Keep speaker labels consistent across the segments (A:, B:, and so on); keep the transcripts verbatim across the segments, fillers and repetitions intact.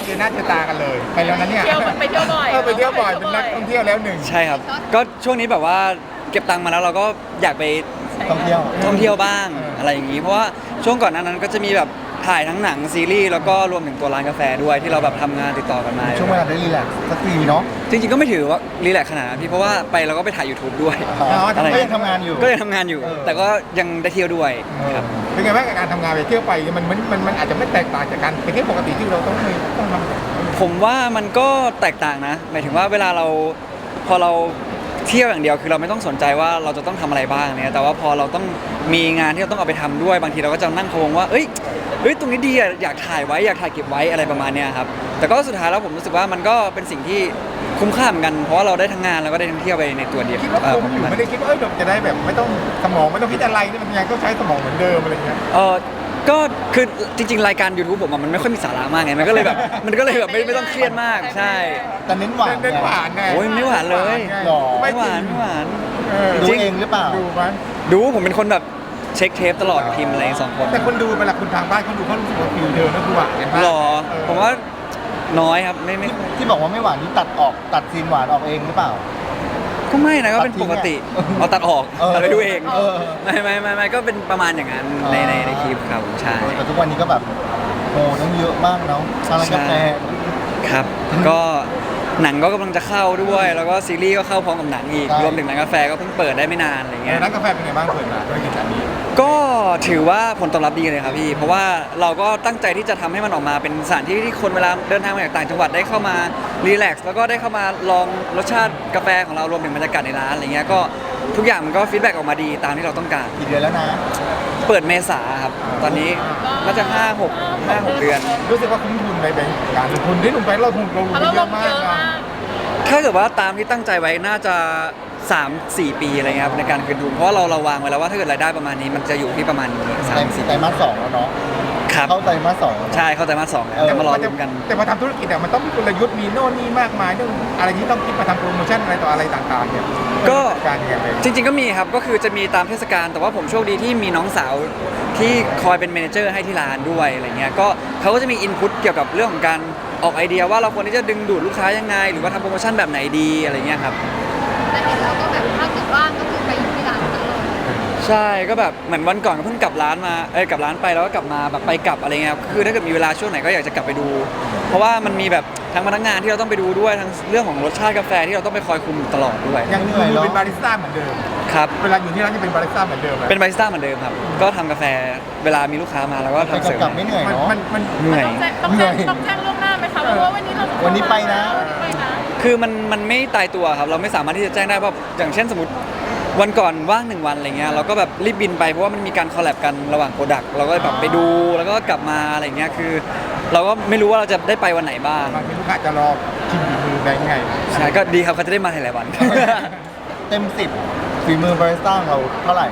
A: เจอหน้าเจอตากันเลยไปแล้วนะเนี่ย
B: เที่ยวไปเที่ยวบ่อย
A: เออไปเที่ยวบ่อยเป็นนักท่องเที่ยวแล้วหนึ่ง
C: ใช่ครับก็ช่วงนี้แบบว่าเก็บตังค์มาแล้วเราก็อยากไป
D: ท่องเที่ยว
C: ท่องเที่ยวบ้างอะไรอย่างนี้เพราะว่าช่วงก่อนหน้านั้นก็จะมีแบบถ่ายทั้งหนังซีรีส์แล้วก็รวมถึงตัวร้านกาแฟด้วยที่เราแบบทำงานติดต่อกันมา
D: ช่วงเวลาได้รีแลกซ์สักทีเนาะ
C: จริงๆก็ไม่ถือว่ารีแลกซ์ขนาดนั้นพี่เพราะว่าไปเราก็ไปถ่าย YouTube ด้วย
D: อ๋อ
C: อะไร
D: ก็ยังทำงานอยู่
C: ก็ยังทำงานอยู่
D: เออ
C: แต่ก็ยังได้เที่ยวด้วยครับ
A: เป็นไงบ้างกับการทำงานไปเที่ยวไปมันมันมันมันอาจจะไม่แตกต่างจากการไปเที่ยวปกติที่เราต้องมีต้องทำ
C: ผมว่ามันก็แตกต่างนะหมายถึงว่าเวลาเราพอเราเที่ยวอย่างเดียวคือเราไม่ต้องสนใจว่าเราจะต้องทำอะไรบ้างเนี่ยแต่ว่าพอเราต้องมีงานที่เราต้องเอาไปทำด้วยบางทีเราก็จะนั่งพะวงว่าเอ้ยเฮ้ยตรงนี้ดีอะอยากถ่ายไว้อยากถ่ายเก็บไว้อะไรประมาณเนี้ยครับแต่ก็สุดท้ายแล้วผมรู้สึกว่ามันก็เป็นสิ่งที่คุ้มค่าเหมือนกันเพราะว่าเราได้ทั้งงานแล้วก็ได้ทั้งเที่ยวไปในตัวเดียว
A: คิดว่า
C: เอ่อ
A: คุ้มอยู่ไม่ได้คิดว่าเอ้ยเราจะได้แบบไม่ต้องสมองไม่ต้องคิดอะไรนี่มันยังต้องใช้สมองเหมือนเดิมอะไรเงี้ย
C: เออก็คือจริงๆรายการ YouTube ผมอะมันไม่ค่อยมีสาระมากไงมันก็เลยแบบมันก็เลยแบบไม่ไม่ต้องเครียดมากใช่
D: แต่เน้นหวาน
A: เน้นหวานไง
C: โอ้ยไม่หวานเลย
D: หรอ
C: ไม่หวานไม่หวาน
A: เออ
D: ดู
C: จริง
D: เองหรือเปล่า
A: ดูมั้ย
C: ดูผมเป็นคนแบบเช็คเทปตลอดกับพิมพ์อะไรสองคน
A: แต่คนดูเวลาคุณทางบ้านเขาดูเขารู้สึกว่าฟิลเธอนั่นคือหวานกันมาก
C: หรอ
A: เออ
C: ผมว่าน้อยครับไม่ไม่
D: ที่บอกว่าไม่หวานที่ตัดออกตัดซีนหวานออกเองหรือเปล่า
C: ก็ไม่นะก็เป็นปกติ
D: ตัดทิ้งอะ
C: เอาตัดออก
D: เออ
C: ตัดไปดูเอง
D: เออ
C: ไม่ไม่ไม่ไม่ก็เป็นประมาณอย่างนั้นในในในคลิปครับใช่
D: แต่ทุกวันนี้ก็แบบโอ้ต้องเยอะมากเนาะร้านกาแฟ
C: ครับ ก็หนังก็กำลังจะเข้าด้วย แล้วก็ซีรีส์ก็เข้าพร้อมกับหนังอีก
D: ใช่
C: รวมถึงร้านกาแฟก็เพิ่งเปิดได้ไม่นานอะไร
A: เอ
C: เงี้
A: อย ร้านกาแฟเป็นไงบ้างเปิดมาธุรกิจอันนี้
C: ก็ถือว่าผลตอบรับดีเลยครับพี่ เพราะว่าเราก็ตั้งใจที่จะทำให้มันออกมาเป็นสถานที่ที่คนเวลาเดินทางมาจากต่างจังหวัดได้เข้ามารีแลกซ์แล้วก็ได้เข้ามาลองรสชาติกาแฟของเรารวมถึงบรรยากาศในร้านอะไรเงี้ยก็ทุกอย่างมันก็ฟีดแบ็กออกมาดีตามที่เราต้องการ
D: กี่เดือนแล้วนะ
C: เปิดเมษาครับ ตอนนี้น่าจะห้าหกห้าหกเดือน
A: รู้สึกว่าคุ้มทุนในแบงก์การลงทุนที่ลงไปเราลงลง
B: เพราะเรา
A: เย
B: ล
A: อะ
B: ง
A: มา
B: เย
A: ก
B: อะ
A: นะ
B: มาก
C: ถ้าเกิดว่าตามที่ตั้งใจไว้น่าจะสามสี่ปีอะไรเงี้ยครับในการคืนทุนเพราะว่าเราเราวางไว้แล้วว่าถ้าเกิดรายได้ประมาณนี้มันจะอยู่ที่ประมาณนี้สา
D: ไตร
C: มสี่
D: ไตรมาสสองแล้วเนาะ
C: ครับ
D: เข้าไตรมาสสองแล้ว
C: ใช่เข้าใจมาสสองแล้ว
D: เออ
C: จะมารอลุ้นกัน
A: แต่พอทำธุรกิจอะมันต้องมีกลยุทธ์มีโน่นนี่มากมายเรื่องอะไรที่ต้องคิดมาทำโปรโมชั่นอะไรต่ออะไรต่างๆเนี่ย
C: ก็
A: การยังไงไป
C: จริงๆก็มีครับก็คือจะมีตามเทศกาลแต่ว่าผมโชคดีที่มีน้องสาวที่คอยเป็นเมเนเจอร์ให้ที่ร้านด้วยอะไรเงี้ยก็เขาก็จะมีอินพุตเกี่ยวกับเรื่องของการออกไอเดียว่าเราควรที่จะดึงดูดลูกค้ายังไง หรือว่าทำโปรโมชั่นแบบไหนดีอะไรเงี้ยครับ
E: แต่เห็นเราก็แบบถ้าเกิดว่างก็คือไปอยู่ที่ร้านตลอด
C: ใช่ก็แบบเหมือนวันก่อนก็เพิ่งกลับร้านมาเอ้ยกลับร้านไปแล้วก็กลับมาแบบไปกลับอะไรเงี้ยครับคือถ้าเกิดมีเวลาช่วงไหนก็อยากจะกลับไปดู เพราะว่ามันมีแบบทั้งพนักงานที่เราต้องไปดูด้วยทั้งเรื่องของรสชาติกาแฟที่เราต้องไปคอยคุมตลอดด้วย
A: ยังอยู่เป็นบาริสต้าเหมือนเดิม
C: ครับ
A: เวลาอยู่ที่ร้านจะเป็นบาริสต้าเหมือนเดิมไหม
C: เป็นบาริสต้าเหมือนเดิมครับก็ทำกาแฟเวลามีลูกค้ามาแล้วก็
D: ไป
C: ทำเสิร์ฟ
D: กลับไม่เหนื่อย
A: มัน
D: เนาะ
A: มันมัน
C: เหนื่อย
B: ต้องแจ้งต้องแจ้งต้องแจ้งล่วงหน้าไหมคะว่าวันนี้เรา
D: วันนี้ไปนะ
B: ไปนะ
C: คือมันมันไม่ตายตัวครับเราไม่สามารถที่จะแจ้งได้ว่าอย่างเช่นสมมติวันก่อนว่างหนึ่งวันอะไรเงี้ยเราก็แบบรีบบินไปเพราะว่ามันมีการคอลแลบกันระหว่างโปรดักต์เราก็แบบไปดูแล้วก็กลับมาอะไรเงี้ยคือ เราก็ไม่รู้ว่าเราจะได้ไปวันไหนบ้าง
A: บางทีลูกค้าจะรอชิมฝีมือแบงค์ไง
C: ใช่ก็ดีครับเขาจะได้มาหลายๆวัน
D: เต็มสิบฝีมือบาริสต้าของเราเท่าไหร่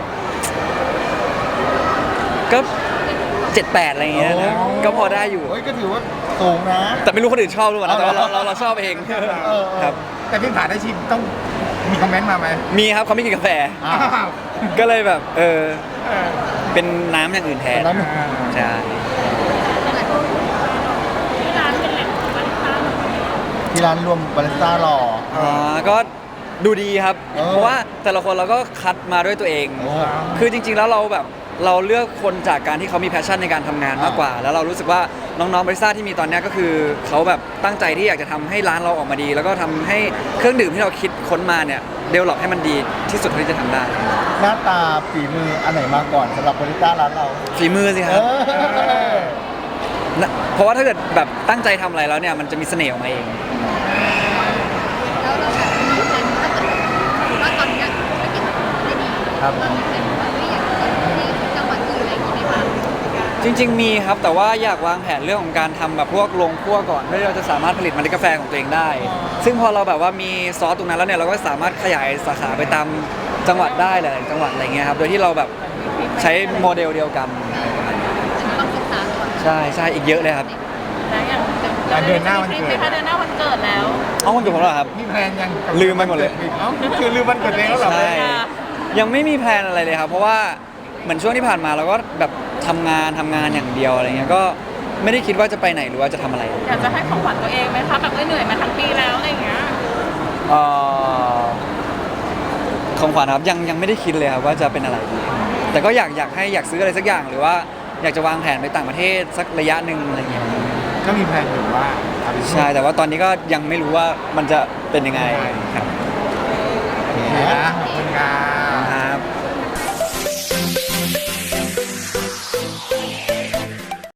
C: ก็เจ็ดแปดอะไรเงี้ยนะ
D: โอ้
C: ก็พอได้อยู่
D: เฮ้ยก็ถือว่าสูงนะ
C: แต่ไม่รู้คนอื่นชอบหรือเปล่านะแต่ว่าเราเราเราชอบเอง
D: เออเออ
C: ครับ
A: แต่พี่ผ่านได้ชิมต้องมีคอมเมนต์มาไหม
C: มีครับเขาไม่กินกาแฟ
D: อ้าว
C: ก็เลยแบบเออ
A: เออ
C: เป็นน้ำอย่างอื่นแทน
D: เป็นน้ำอย่างอื่น
C: ใช่
B: ที่ร้านเป็นแหล่งของบาริสต้า
D: ที่ร้านรวมบาริสต้ารอ
C: อ๋อก็ดูดีครับ
D: เออ
C: เพราะว่าแต่ละคนเราก็คัดมาด้วยตัวเอง
D: โอ้
C: คือจริงๆแล้วเราแบบเราเลือกคนจากการที่เขามีแพชชั่นในการทำงานมากกว่า แล้วเรารู้สึกว่าน้องๆบริษัทที่มีตอนเนี้ยก็คือเขาแบบตั้งใจที่อยากจะทำให้ร้านเราออกมาดี แล้วก็ทำให้เครื่องดื่มที่เราคิดค้นมาเนี่ยเดเวลลอปให้มันดีที่สุดเท่าที่จะทำได้
D: หน้าตาฝีมืออันไหนมาก่อนสำหรับบาริสต้าร้านเรา
C: ฝีมือสิค
D: เอ
C: รับ
D: อ
C: นะเพราะว่าถ้าเกิดแบบตั้งใจทำอะไรแล้วเนี่ยมันจะมีเสน่ห์ออกมาเอง
E: แล้วเราแบบมีแผนถ้าเกิดว่าตอนเนี้ยธุรกิจมันไม่ดี
D: ครับ
E: เรามีแผนว่าไม่อยากจะไปที่จังหวัดอื่นอะไรอย่างงี้ไหมคะ
C: จริงๆมีครับแต่ว่าอยากวางแผนเรื่องของการทำแบบพวกโรงคั่วก่อนเพื่อที่เราจะสามารถผลิตเมล็ดกาแฟของตัวเองได้ ซึ่งพอเราแบบว่ามีซอสตรงนั้นแล้วเนี่ยเราก็สามารถขยายสาขาไปตามจังหวัดได้หลายๆจังหวัดอะไรเงี้ยครับโดยที่เราแบบใช้โมเดลเดียวกัน
E: ต้องศึกษาก่อน
C: ใช่ใช่อีกเยอะเลยครับ
B: นะอย่าง
A: อ่ะเดือนหน้าวันเกิด
B: คลิปไหมคะเดือนหน้าวันเกิดแล้ว
C: เอาวันเกิดผมเหรอครับ
A: มีแพลนยัง
C: ลืมไปหมดเลย
A: เอ้าคือลืมวันเกิดเองแล้วเหรอ
C: ใช่ยังไม่มีแพลนอะไรเลยครับ เพราะว่าเหมือนช่วงที่ผ่านมาเราก็แบบทำงานทำงานอย่างเดียวอะไรเงี้ยก็ไม่ได้คิดว่าจะไปไหนหรือว่าจะทำอะไร
B: อยากจะให้ของขวัญตัวเองไหมคะแบบเหนื่อยมาทั้งปีแล้วอะไรอย่างเงี้ย
C: เอ่อของขวัญครับยังยังไม่ได้คิดเลยครับว่าจะเป็นอะไรดีแต่ก็อยากอยากให้อยากซื้ออะไรสักอย่างหรือว่าอยากจะวางแผนไปต่างประเทศสักระยะหนึ่งอะไรอย่างเงี้ย
A: ก็มีแผนอยู่ว่าเอาไป
C: ใช่แต่ว่าตอนนี้ก็ยังไม่รู้ว่ามันจะเป็นยังไงครับ
A: โอเคนะขอบคุณครับ